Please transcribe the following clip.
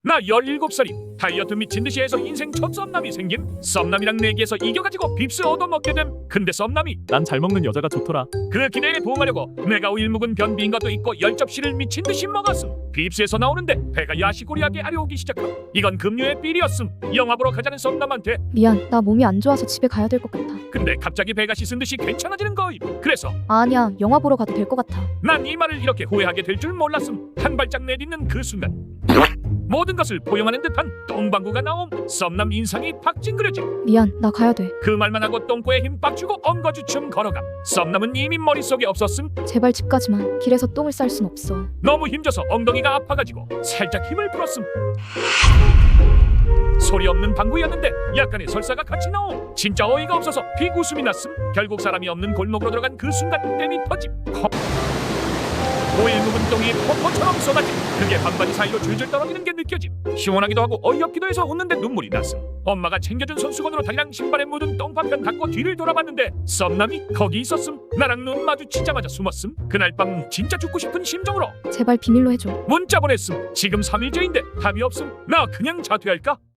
나 17살임. 다이어트 미친듯이 해서 인생 첫 썸남이 생김. 썸남이랑 내기해서 이겨가지고 빕스 얻어먹게 됨. 근데 썸남이 난 잘 먹는 여자가 좋더라. 그 기대에 부응하려고 내가 일 묵은 변비인 것도 있고 10접시를 미친듯이 먹었음. 빕스에서 나오는데 배가 야시고리하게 아려오기 시작함. 이건 금요의 삘이었음. 영화 보러 가자는 썸남한테. 미안, 나 몸이 안 좋아서 집에 가야 될 것 같아. 근데 갑자기 배가 씻은 듯이 괜찮아지는 거임. 그래서 아니야, 영화 보러 가도 될 것 같아. 난 이 말을 이렇게 후회하게 될 줄 몰랐음. 한 발짝 내딛는 그 순간 모든 것을 포용하는 듯한 똥방구가 나옴. 썸남 인상이 팍 찡그려짐. 미안, 나 가야 돼. 그 말만 하고 똥꼬에 힘 빡 주고 엉거주춤 걸어감. 썸남은 이미 머릿속에 없었음. 제발 집까지만. 길에서 똥을 쌀 순 없어. 너무 힘줘서 엉덩이가 아파가지고 살짝 힘을 풀었음. 소리 없는 방구였는데 약간의 설사가 같이 나옴. 진짜 어이가 없어서 비웃음이 났음. 결국 사람이 없는 골목으로 들어간 그 순간 땜이 터짐. 오일 묵은 똥이 폭포처럼 쏟아짐. 그게 반바지 사이로 줄줄 떨어지는 게 느껴짐. 시원하기도 하고 어이없기도 해서 웃는데 눈물이 났음. 엄마가 챙겨준 손수건으로 다리랑 신발에 묻은 똥파편 닦고 뒤를 돌아봤는데 썸남이 거기 있었음. 나랑 눈 마주치자마자 숨었음. 그날 밤 진짜 죽고 싶은 심정으로 제발 비밀로 해줘. 문자 보냈음. 지금 3일째인데 답이 없음. 나 그냥 자퇴할까?